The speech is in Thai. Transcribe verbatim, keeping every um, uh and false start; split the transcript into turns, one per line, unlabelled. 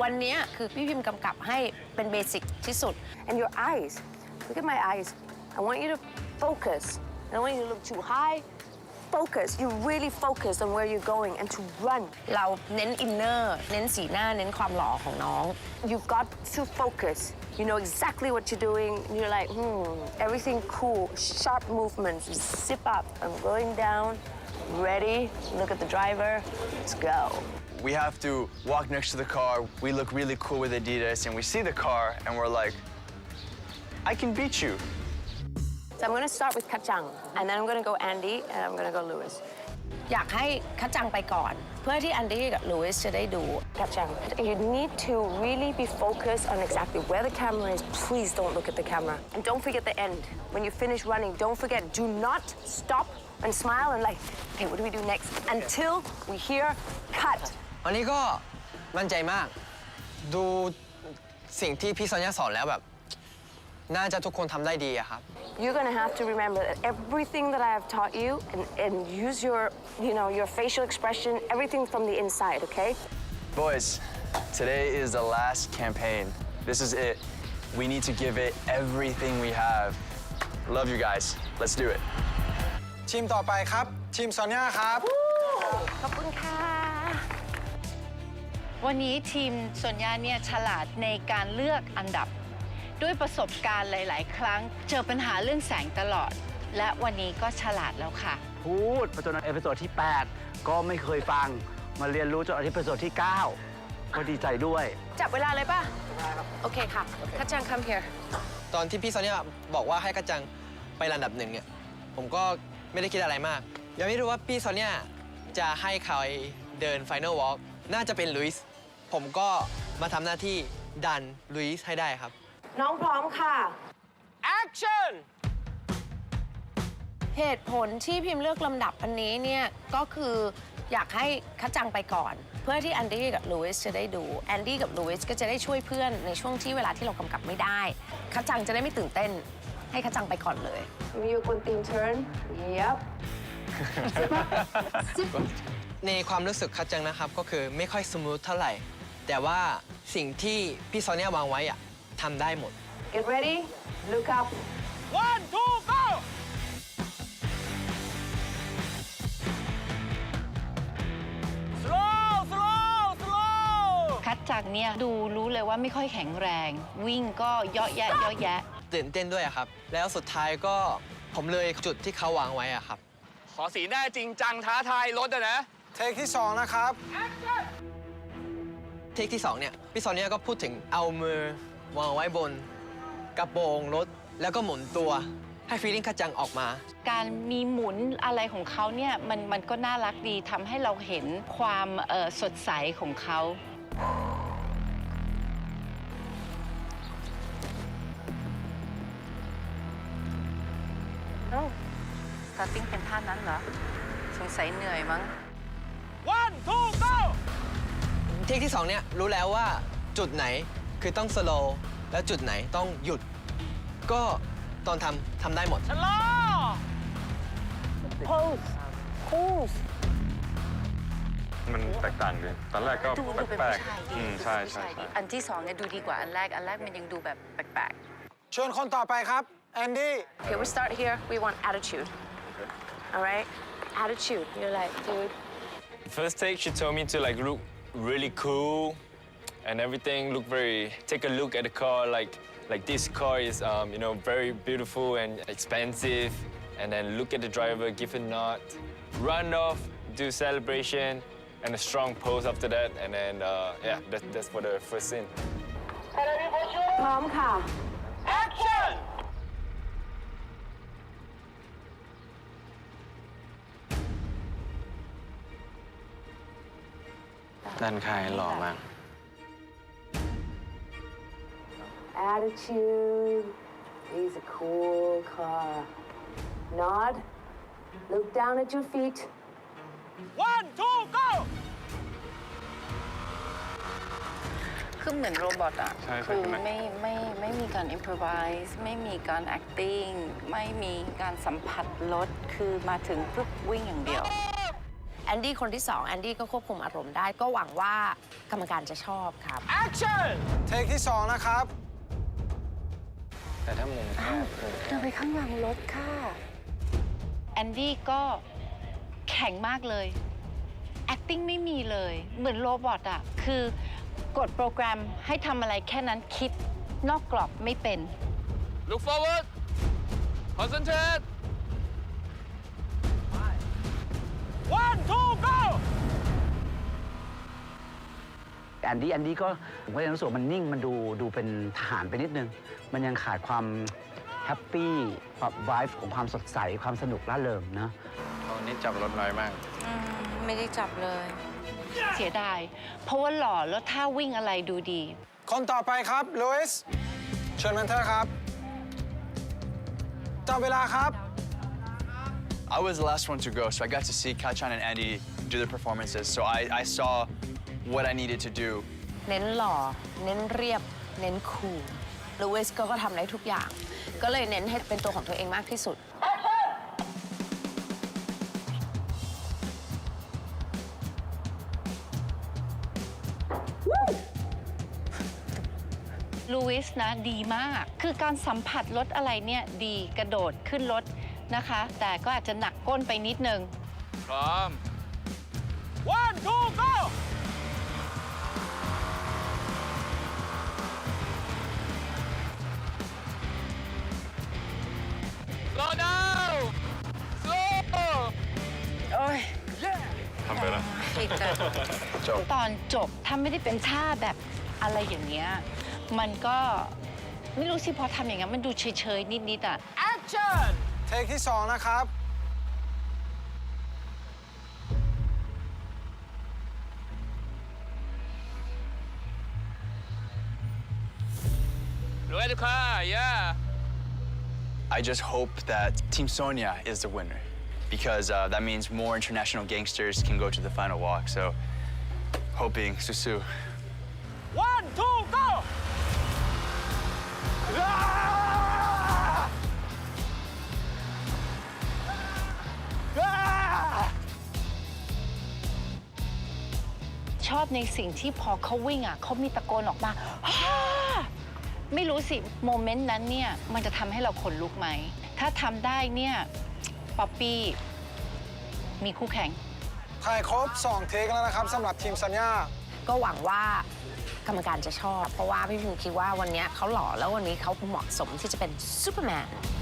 วันนี้คือพี่พิมพ์กำกับให้เป็นเบสิกที่สุด
and your eyes look at my eyes I want you to focus I don't want you to look too high focus you really focus on where you're going and to run
เราเน้นอินเนอร์เน้นสีหน้าเน้นความหล่อของน้อง
you've got to focus you know exactly what you're doing you're like hmm everything cool sharp movements zip up I'm going down ready look at the driver let's go
we have to walk next to the car we look really cool with Adidas and we see the car and we're like I can beat you
so I'm gonna start with Kachang and then I'm gonna go Andy and I'm gonna go Lewis
อยากให้คัดจังไปก่อนเพื่อที่แอนดี้กับลูอิสจะได้ดู
Kachang you need to really be focused on exactly where the camera is please don't look at the camera and don't forget the end when you finish running don't forget do not stop and smile and like okay what do we do next until we hear cut
วันนี้ก็มั่นใจมากดูสิ่งที่พี่ซอนยาสอนแล้วแบบน่าจะทุกคนทำได้ดีอะครับ
You're gonna have to remember that everything that I have taught you and, and use your you know your facial expression everything from the inside okay
boys today is the last campaign this is it we need to give it everything we have love you guys let's do it
ทีมต่อไปครับทีมซอนยาครับ
ขอบคุณค่ะ
วันนี้ทีมซอนยาเนี่ยฉลาดในการเลือกอันดับด้วยประสบการณ์หลายๆครั้งเจอปัญหาเรื่องแสงตลอดและวันนี้ก็ฉลาดแล้วค่ะ
พูดจนเอพิโซดที่แปดก็ไม่เคยฟังมาเรียนรู้จนเอพิโซดที่เก้าก็ดีใจด้วย
จับเวลาเลยป่ะโอเคค่ะคัดจัง come here
ตอนที่พี่ซอนยาบอกว่าให้กัจจังไปลำดับหนึ่งเนี่ยผมก็ไม่ได้คิดอะไรมากยังไม่รู้ว่าพี่ซอนยาจะให้ใครเดิน Final Walk น่าจะเป็นลุยส์ผมก็มาทำหน้าที่ดันลุยส์ให้ได้ครับ
น้องพร้อมค่ะ
Action
เหตุผลที่พิมพ์เลือกลำดับอันนี้เนี่ยก็คืออยากให้คัดจังไปก่อนเพื่อที่แอนดี้กับลูอิสจะได้ดูแอนดี้กับลูอิสก็จะได้ช่วยเพื่อนในช่วงที่เวลาที่เรากำกับไม่ได้คัดจังจะได้ไม่ตื่นเต้นให้คัดจังไปก่อนเลย
มีคนตีม turn yep
ในความรู้สึกคัดจังนะครับก็คือไม่ค่อยสมูทเท่าไหร่แต่ว่าสิ่งที่พี่ซอนยาวางไว้อะทำได้หมด
Get ready look up
one two go slow slow slow
คัดจากเนี่ยดูรู้เลยว่าไม่ค่อยแข็งแรงวิ่งก็เยาะแยะเยาะแยะ
ตื่นเต้นด้วยครับแล้วสุดท้ายก็ผมเลยจุดที่เขาวางไว้อะครับ
ขอสีหน้าจริงจังท้าทายรถอะนะ
เทคที่สองนะครับ
เทคที่สองเนี่ยพี่ซอนเนี่ยก็พูดถึงเอามือวางไว้บนกระโปรงรถแล้วก็หมุนตัวให้ฟีลลิ่งคัดจังออกมา
การมีหมุนอะไรของเขาเนี่ยมันมันก็น่ารักดีทำให้เราเห็นความเอ่อสดใสของเขาเอ้าสตาร์ติ้งเป็นท่านั้นเหรอสงสัยเหนื่อยมั้ง
one two go เทคที่สองเนี่ยรู้แล้วว่าจุดไหนคือต้องสโลว์แล้วจุดไหนต้องหยุดก็ตอนทำทำได้หมดชะลอ
pose pose
มันแตกต่างเลยตอนแรกก็แปลกๆอืมใช่ใช่
อันที่สองเนี่ยดูดีกว่าอันแรกอันแรกมันยังดูแบบแปลก
เชิญคนต่อไปครับแอนดี้
Okay we start here we want attitude all right attitude you're like dude
first take she told me to like look really cool and everything look very take a look at the car like like this car is um, you know very beautiful and expensive and then look at the driver give a nod run off do celebration and a strong pose after that and then uh, yeah that, that's for the first scene
พร้อมค่ะ
action
ด้านข้างหล่อมาก
attitude is a cool car nod look down at your feet
one two go
คือเหมือนโรบอทอะ
ใช่ใช่
คือ
ใช่ไหม
ไม่ไม่ไม่มีการ improvise ไม่มีการ acting ไม่มีการสัมผัสรถคือมาถึงปุ๊บวิ่งอย่างเดียว
แอนดี้คนที่สองแอนดี้ก็ควบคุมอารมณ์ได้ ก็หวังว่ากรรมการจะชอบครับ
Action เทคที่สองนะครับ
แต่ถ้ามุมแคบ
เดินไปข้างหลังรถค่ะ
แอนดี้ก็แข็งมากเลย acting ไม่มีเลย เหมือนโรบอทอะคือกดโปรแกรมให้ทำอะไรแค่นั้นคิดนอกกรอบไม่เป็น
Look forward concentrate one two go
แอนดี้แอนดี้ก็ผมก็ยังรู้สึกว่ามันนิ่งมันดูดูเป็นทหารไปนิดนึง มันยังขาดความแฮปปี้ความไวฟ์ของความสดใสความสนุกร่าเริงนะ
วันนี้จับรถน้อยมาก
ไม่ได้จับเลย
เสียดาย เพราะว่าหล่อแล้วท่าวิ่งอะไรดูดี
คนต่อไปครับลุยส์เชิญเมนเทอร์ครับจับเวลาครับ
I was the last one to go, so I got to see Kachan and Andy do their performances. So I, I saw what I needed to do.
เน้นหล่อ เน้นเรียบ เน้นคูลลูอิสก็ทำได้ทุกอย่าง ก็เลยเน้นให้เป็นตัวของตัวเองมากที่สุด
ลูอิสนะดีมาก คือการสัมผัสรถอะไรเนี่ยดีกระโดดขึ้นรถนะคะ แต่ก็อาจจะหนักก้นไปนิดนึง
พร้อม one two go slow down slow
ทำไปแล้ว
ตอนจบถ้าไม่ได้เป็นท่าแบบอะไรอย่างเงี้ย มันก็ไม่รู้สิพอทำอย่างนั้นมันดูเฉยๆ นิด ๆ อ่ะ
Action เทคที่สองนะครับ
look at the car yeah
I just hope that Team Sonia is the winner because uh, that means more international gangsters can go to the final walk. So, hoping Susu.
one two go
ชอบในสิ่งที่พอเขาวิ่งอ่ะเขามีตะโกนออกมาฮ่าไม่รู้สิ โมเมนต์นั้นเนี่ย มันจะทำให้เราขนลุกไหม ถ้าทำได้เนี่ย ป๊อปปี้ มีคู่แข่ง
ถ่ายครบสองเทคแล้วนะครับสำหรับทีมสัญญา
ก็หวังว่ากรรมการจะชอบ เพราะว่าพี่พิมคิดว่าวันนี้เขาหล่อแล้ววันนี้เขาเหมาะสมที่จะเป็นซูเปอร์แมน